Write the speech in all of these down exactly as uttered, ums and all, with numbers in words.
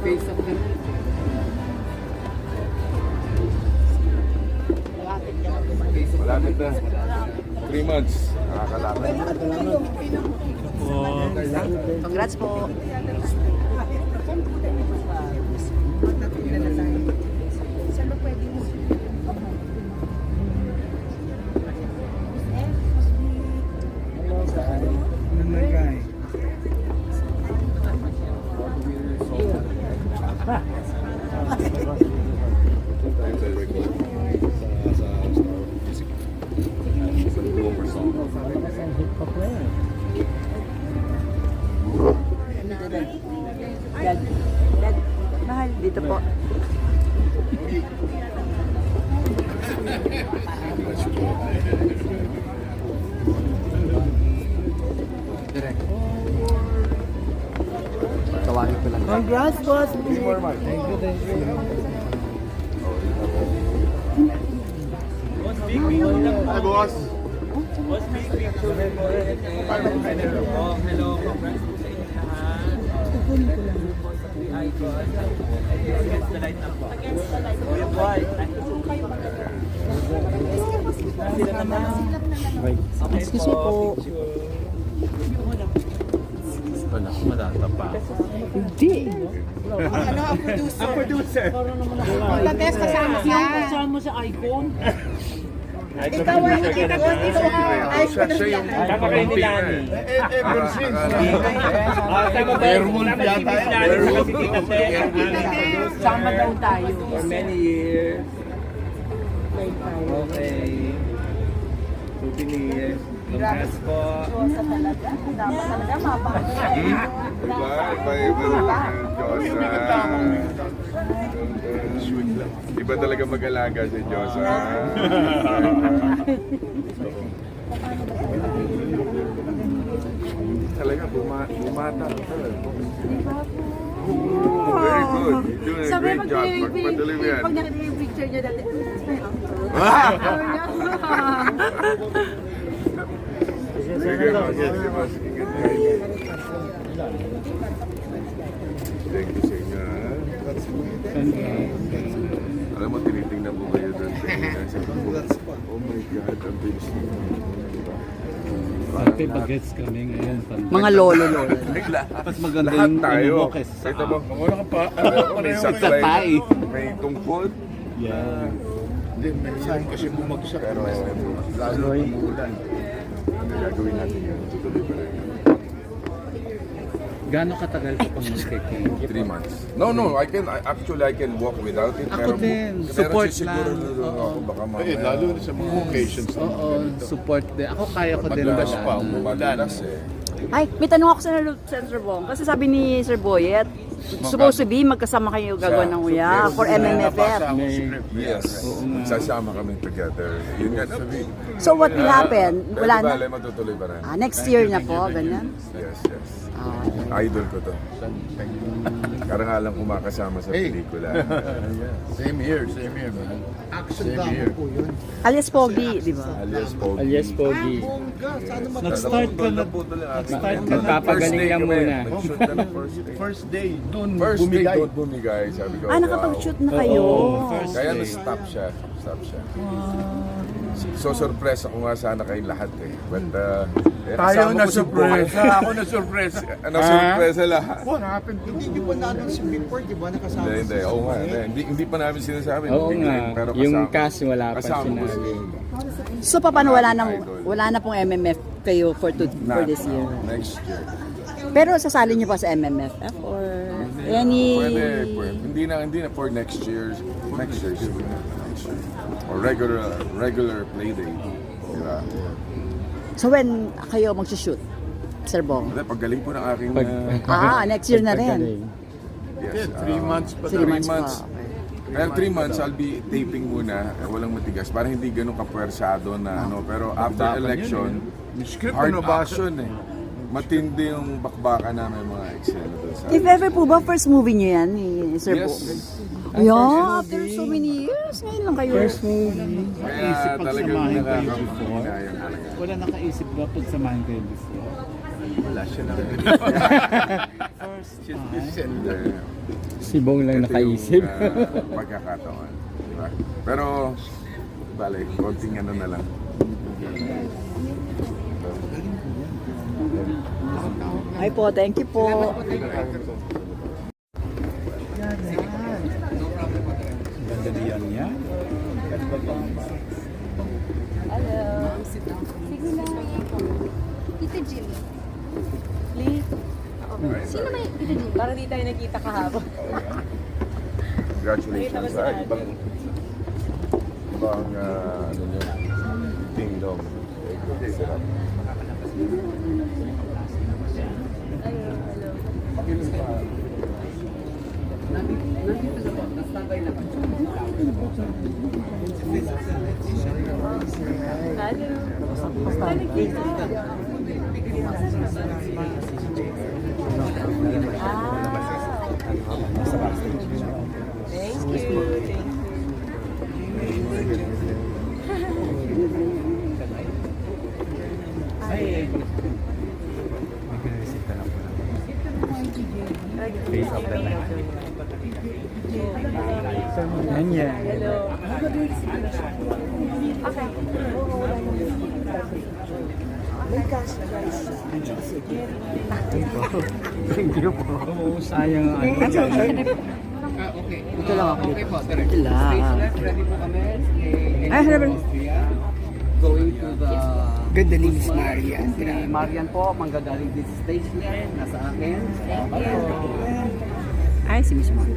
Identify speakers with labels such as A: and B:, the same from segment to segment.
A: Face of the...
B: Malapit na. Three months. Nakakalapit.
C: Congrats po. Dad, Dad, mahal dito po.
A: Direct. Tawagin ko lang.
C: Congrats, boss.
B: Thank you, thank you. Hi, boss.
D: Boss, big picture po. Oh, hello, congrats po sa inyo lahat. Icon. Against the light na po. Kuya Boy. Sila naman. Okay
C: Excuse me po.
D: Wala ko matatapa.
C: Hindi.
E: Ano ang producer?
D: Ang producer.
E: Pagkatest kasama siya.
C: Kasama sa icon.
E: Ikaw ang ikaw ang ikaw ang icon
B: Siya yung
D: Tama kayo ni Lani.
B: ever since.
D: Ah, tama ba?
B: Werewolf yata.
D: Werewolf.
C: Sama daw tayo.
D: For many years. Okay. So, years. Congrats po.
B: Diba? Iba-iba talaga yung Diyosa. Iba talaga mag-alaga si Diyosa. Talaga, buma bumata ka talaga. Oh, very good. You're doing a
E: Sabi
B: great
E: pag
B: job.
E: pag
B: Pagpatuloy mo yan.
E: pag nakita yung picture niya dati, "That's my uncle."
B: Ah!
E: Sabi niya.
B: Sige, sige, sige, boss. Ingat kayo. Thank you sa inyo, ha? Alam mo, tinitingnan mo kayo doon sa inyo. Sabi ko, oh my God, ang bilis nyo.
F: Pati bagets kami ngayon.
C: Mga lolo, lolo.
B: Ay, lahat.
F: Mas maganda
B: Lahat
F: yung
B: tayo.
F: ano mo kaysa sa
B: Ito mo,
F: Wala ka pa.
B: may saklay,
F: Sakay.
B: may tungkod.
F: Yeah.
B: Hindi, may saan kasi bumagsak. Pero lalo umuulan. Ano gagawin natin yun? Tutuloy pa rin.
F: Gaano katagal ka pang mag-cake?
B: Three months. No, no. I can, I, actually, I can walk without it.
F: Ako din.
B: meron
F: Support
B: sisiguro
F: lang.
B: lulungan
F: Oo.
B: ako. Baka mamaya.
G: Eh, lalo na sa mga occasions.
F: Oo, support din. Ako kaya ko din
B: Madalas
F: wala.
B: pa, madalas eh.
C: Ay, may tanong ako sa Sir Bong. Kasi sabi ni Sir Boyet, supposed to be magkasama kayo gagawa ng uya for M M F F.
B: Yes. Sasama kami together. Yun nga sabi.
C: So what will happen?
B: Pero
C: Wala
B: di
C: na.
B: bale, matutuloy pa rin.
C: Ah, next year na po, ganyan.
B: Yes, yes.
C: Ah,
B: Idol ko to. Karangalang kumakasama sa pelikula.
G: Same here, same here, man. Same here.
C: alias Pogi, di ba?
B: Alias Pogi.
F: Alias Pogi. Nag-start ka na.
B: Nag-start
F: ka na. Magpapagaling lang muna.
B: Nag-shoot ka na first day.
G: First day, dun
B: First day,
G: bumigay.
B: doon bumigay. Sabi ko,
C: Ah, nakapag-shoot na kayo.
F: First
B: Kaya
F: day.
B: na-stop siya. Stop siya. So, surprise ako nga sana kayong lahat eh. But, uh, eh,
G: Tayo
B: kasama
G: na
B: ko si
G: surpresa. Ako na surpresa.
B: Boy. Ano, surpresa lahat.
G: What happened to
E: Hindi niyo pa na-announce yung before, di ba? Nakasama
B: Hindi, hindi. Oo nga. Hindi, hindi, hindi pa namin sinasabi.
F: Oo
B: Hindi,
F: nga.
B: pero
F: Yung
B: kasama-
F: cast wala pa
B: kasama ko
F: sinabi.
B: si-
C: So paano wala nang wala na pong M M F kayo for to, for
B: na-
C: this year?
B: Next year.
C: Pero sasali niyo pa sa M M F F or any
B: Pwede, pwede. Hindi na, hindi na for next year. Next year. siguro. Next year. Or regular, regular play day. Diba?
C: So when kayo magsushoot, Sir Bong?
B: Hindi, paggaling po ng aking...
F: Pag-
B: uh,
C: Ah, next year na rin.
F: Pagpagaling.
B: yes,
G: Yeah, three
B: uh,
G: months pa
C: Three
G: daw.
C: months pa.
B: months.
C: Okay.
B: Pero three months, I'll be taping muna. Eh, walang matigas. Para hindi ganun kapwersado na ano. Pero after
G: Bakbakan
B: election,
G: yun eh. Yung script
B: hard
G: na nabasa.
B: action eh. Matindi yung bakbakan namin mga eksena doon sa...
C: If ever po ba, first movie niyo yan ni Sir
B: Yes.
C: Bong? Yeah, after so many years, ngayon lang kayo.
F: First movie.
B: Kaya
F: Naisip
B: talagang
F: pagsamahin kayo before.
B: nakakahinayang talaga.
F: Wala nakaisip ba pagsamahin kayo before?
G: Wala siya lang. She's the sender.
F: Si Bong lang
B: Ito
F: nakaisip.
B: yung uh, pagkakataon. Diba? Pero, bale, konting ano na lang.
C: Ay po, thank you po.
F: Ganda diyan niya.
E: Tita Jimmy. Lee? Sino may Tita Jimmy? Parang di tayo nakita kahapon.
B: Congratulations sa ibang ibang uh, ano nyo, Ding Dong. Sarap.
F: Yan yan. Thank you po. Sayang ang ano.
A: Ito lang ako.
D: Okay po, direct.
C: Ito lang.
D: Stage left, ready po kami. Eh,
C: Ay, sabi-
A: Going to the...
H: Ganda ni Miss Marian.
A: Si Marian po, manggagaling this stage niya. Nasa akin.
C: Ay, si Miss Mo.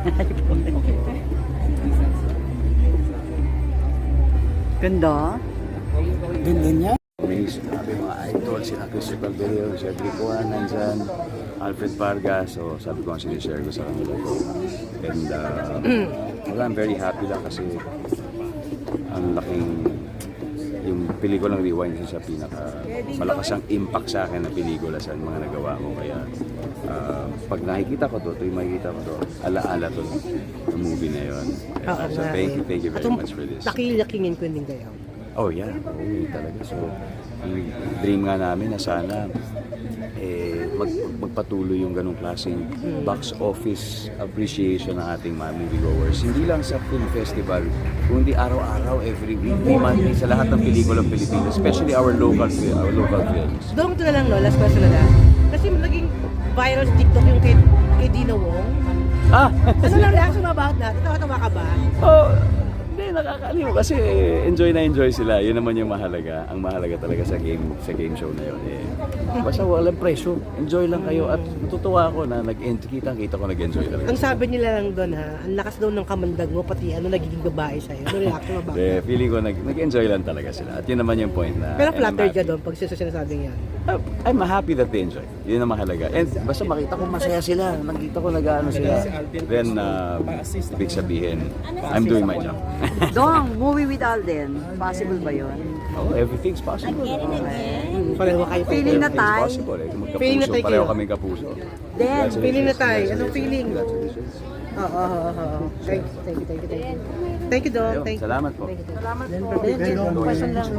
C: Ganda.
H: Ganda niya.
I: Amazing. Sabi mga idol, sila Christopher Berrio, si Adrico nandyan, Alfred Vargas. So sabi ko ang sinishare ko sa kanila ko. And uh, well, I'm very happy lang kasi ang laking yung pelikulang Rewind kasi sa pinaka malakas ang impact sa akin na pelikula sa mga nagawa ko. Kaya uh, pag nakikita ko to, tuwing makikita ko to, alaala to ng movie na yun.
H: Oo
I: So
H: nga
I: thank you,
H: eh.
I: thank you
H: At
I: very
H: um,
I: much for this.
H: Nakilakingin ko din kayo.
I: Oh yeah, oo yun talaga. So, ang dream nga namin na sana eh, mag, magpatuloy yung ganong klaseng box office appreciation ng ating mga moviegoers. Hindi lang sa film festival, kundi araw-araw, every week, monthly, sa lahat ng pelikulang Pilipinas, especially our local fi- our local films.
H: Doon ko na lang, no? Last question na lang. Kasi naging viral sa TikTok yung kay, kay Dina Wong.
I: Ah!
H: Ano lang reaction mo about that? Tawa-tawa ka ba?
I: Oh, hindi, nakakaliw kasi enjoy na enjoy sila. Yun naman yung mahalaga. Ang mahalaga talaga sa game sa game show na yun. Eh, basta walang presyo. Enjoy lang kayo. At natutuwa ako na nag-enjoy. Kita-kita ko nag-enjoy talaga.
H: Ang sabi nila lang doon ha, ang lakas daw ng kamandag mo, pati ano nagiging babae sa'yo. Ano reaction mo about
I: Eh,
H: that?
I: feeling ko nag, nag-enjoy lang talaga sila. At yun naman yung point na...
H: Pero
I: and I'm
H: flattered ka
I: happy.
H: doon pag sila sinasabing yan.
I: Uh, I'm happy that they enjoy. Yun ang mahalaga. And basta makita ko masaya sila. Nakita ko nag-ano sila. Then, uh, ibig sabihin, I'm doing my job.
C: Dong, movie with Alden. Possible ba yun?
I: Oh, everything's possible.
H: Pareho kayo.
C: Feeling na
I: Everything's
C: tayo.
I: possible. Eh.
H: Feeling na
I: Magkapuso.
H: tayo
I: Pareho
H: kayo.
I: kami kapuso.
C: Then,
H: Feeling na tayo. Anong feeling?
I: Congratulations.
H: Oo, oo, oo, oo. Thank you, thank you, thank you, thank you. Thank you, Dong.
I: Ayun,
H: Thank you.
I: salamat po.
C: salamat po. Question lang.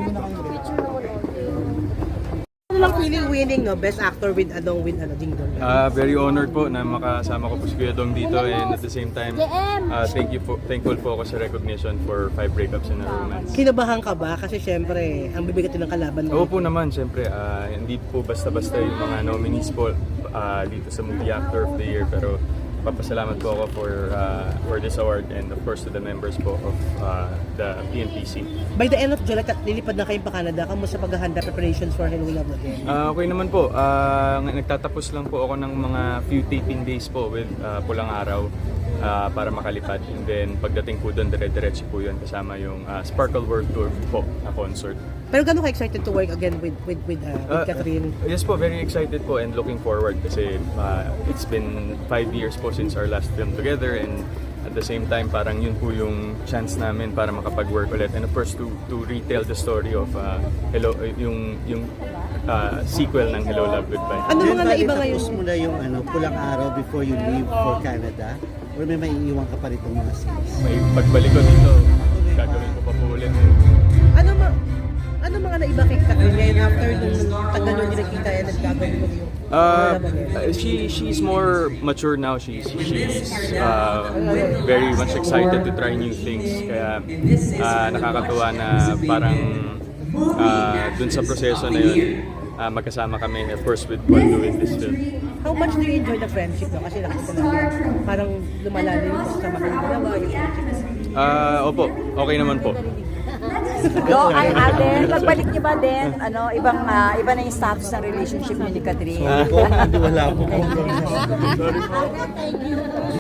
H: Ano lang feeling winning, no? Best actor with Adong with ano, Ding Dong.
J: Uh, very honored po na makasama ko po si Kuya Dong dito, and at the same time, uh, thank you po, thankful po ako sa recognition for five breakups in a romance.
H: Kinabahan ka ba? Kasi syempre, ang bibigat din ng kalaban
J: Oo
H: mo.
J: po naman, siyempre, uh, hindi po basta-basta yung mga nominees po uh, dito sa Movie Actor of the Year, pero papasalamat po ako for uh, for this award, and of course to the members po of uh, the P N P C.
H: By the end of July, tat- lilipad na kayo pa Canada. Kamusta paghahanda preparations for Hello Love Again?
J: Uh, okay naman po. Uh, nagtatapos lang po ako ng mga few taping days po with uh, Pulang Araw uh, para makalipad. And then pagdating po doon, dire-diretso po yun kasama yung uh, Sparkle World Tour po na concert.
H: Pero gano'n ka excited to work again with with with, uh, with
J: Uh,
H: Catherine?
J: Yes po, very excited po and looking forward kasi uh, it's been five years po since our last film together, and at the same time parang yun po yung chance namin para makapag-work ulit, and of course to to retell the story of uh, Hello, yung yung uh, sequel ng Hello Love Goodbye.
H: Ano mga naiba ngayon?
K: Tapos mo na yung ano, Pulang Araw before you leave for Canada? Or may maiiwan ka pa ritong mga scenes?
J: May pagbalik ko dito, gagawin ko pa po ulit.
H: Ano ma Ano mga naiba kay Catherine ngayon after nung tagal nyo nakita yan nagkagawin mo yung
J: Uh, she she's more mature now. She's she's uh, very much excited to try new things. Kaya uh, nakakatuwa na parang uh, dun sa proseso na yun, uh, magkasama kami, of course, with Paul doing this film.
H: How much do you enjoy the friendship no? Kasi nakita namin parang lumalalim yung kasama kayo dalawa, yung friendship.
J: Uh, opo, okay naman po.
C: No, ay Alden, pagbalik niyo ba din, ano, ibang ah, iba na yung status ng relationship niyo ni Catherine?
K: Sorry po, hindi wala po.